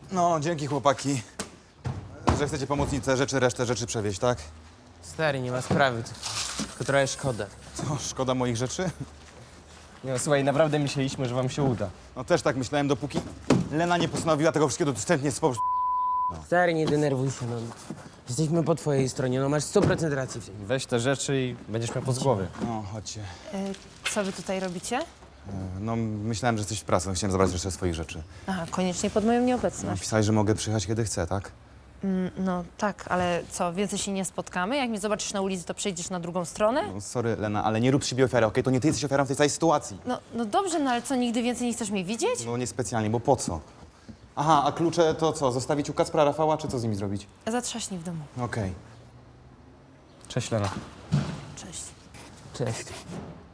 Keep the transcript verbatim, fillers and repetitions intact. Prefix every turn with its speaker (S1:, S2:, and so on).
S1: No, dzięki chłopaki, że chcecie pomocnice rzeczy, resztę rzeczy przewieźć, tak?
S2: Stary, nie ma sprawy, tylko trochę szkoda.
S1: Co, szkoda moich rzeczy?
S3: No słuchaj, naprawdę myśleliśmy, że wam się uda.
S1: No też tak myślałem, dopóki Lena nie postanowiła tego wszystkiego dostępnie spod...
S2: Stary, nie denerwuj się, no. Jesteśmy po twojej stronie, no masz sto procent racji w tym.
S3: Weź te rzeczy i będziesz miał pod głowy.
S1: No, chodźcie.
S4: Y, co wy tutaj robicie?
S1: No, myślałem, że jesteś w pracy, chciałem zabrać resztę swoich rzeczy.
S4: Aha, koniecznie pod moją
S1: No,
S4: nieobecność.
S1: pisałeś, że mogę przyjechać, kiedy chcę, tak?
S4: Mm, no tak, ale co, więcej się nie spotkamy? Jak mnie zobaczysz na ulicy, to przejdziesz na drugą stronę?
S1: No, sorry, Lena, ale nie rób z siebie ofiary, okej? To nie ty jesteś ofiarą w tej całej sytuacji.
S4: No, no dobrze, no ale co, nigdy więcej nie chcesz mnie widzieć?
S1: No, niespecjalnie, bo po co? Aha, a klucze to co, zostawić u Kacpra, Rafała, czy co z nimi zrobić?
S4: Zatrzaśnij w domu.
S1: Okej.
S3: Cześć, Lena.
S4: Cześć.
S2: Cześć.